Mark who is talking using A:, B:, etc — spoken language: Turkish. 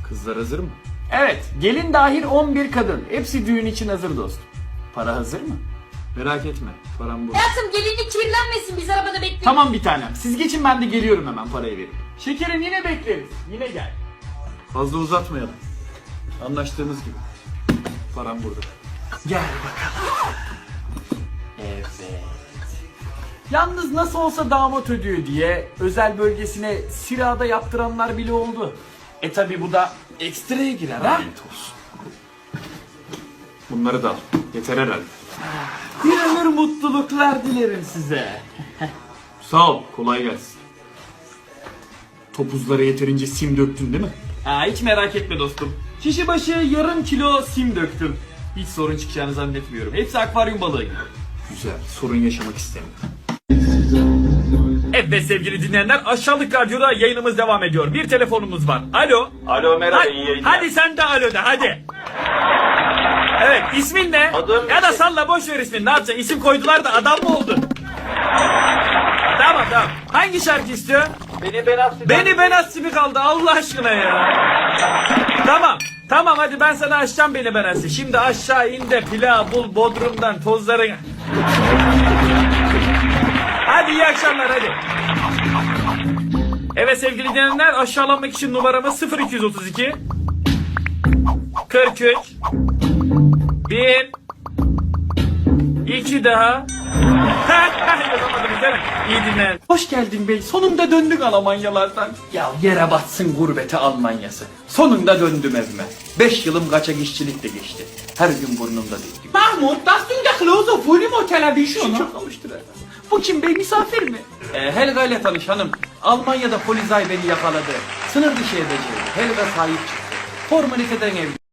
A: Kızlar hazır mı?
B: Evet, gelin dahil 11 kadın. Hepsi düğün için hazır dostum. Para hazır mı?
A: Merak etme. Param bu.
C: Hayatım gelinlik kirlenmesin, biz arabada bekleyelim.
B: Tamam bir tanem. Siz geçin, ben de geliyorum, hemen parayı verip. Şekerim, yine bekleriz. Yine gel.
A: Fazla uzatmayalım. Anlaştığımız gibi. Param burada.
B: Gel bakalım. Evet. Yalnız nasıl olsa damat ödüyor diye özel bölgesine sirada yaptıranlar bile oldu. Tabi bu da ekstraya girer ha.
A: Lanet olsun. Bunları da al. Yeter herhalde.
B: Bir ömür mutluluklar dilerim size.
A: Sağ ol. Kolay gelsin. Topuzlara yeterince sim döktün değil mi?
B: Hiç merak etme dostum. Kişi başı yarım kilo sim döktüm. Hiç sorun çıkacağını zannetmiyorum. Hepsi akvaryum balığı gibi.
A: Güzel. Sorun yaşamak istemiyorum.
D: Evet sevgili dinleyenler, Aşağılık Radyo'da yayınımız devam ediyor. Bir telefonumuz var. Alo.
A: Alo merhaba.
D: Hadi sen de alo de hadi. Evet, ismin ne?
A: Adım
D: Ya da salla, boş ver ismini, ne yapacaksın? İsim koydular da adam mı oldun? Tamam. Hangi şarkı istiyor? Beni ben Aslı mi kaldı Allah aşkına ya? Tamam hadi ben sana açacağım Beni Ben Aslı. Şimdi aşağı in de pilav bul Bodrum'dan tozların. Hadi iyi akşamlar hadi. Evet sevgili dinleyenler, aşağılanmak için numaramız 0232 43 1 2 daha. Yazamadınız değil mi? İyi dinleyin.
B: Hoş geldin bey. Sonunda döndük Almanyalardan. Ya yere batsın gurbete Almanyası. Sonunda döndüm evime. 5 yılım kaçak işçilikle geçti. Her gün burnumda değil. Mahmut, das sind der Klose vor dem Hotel wie schon. Çok almıştır herhalde. Bu kim bey, misafir mi? Helga ile tanış hanım. Almanya'da Polizei beni yakaladı. Sınır dışı edeceğim. Helga sahip çıktı. Formaliteden evli.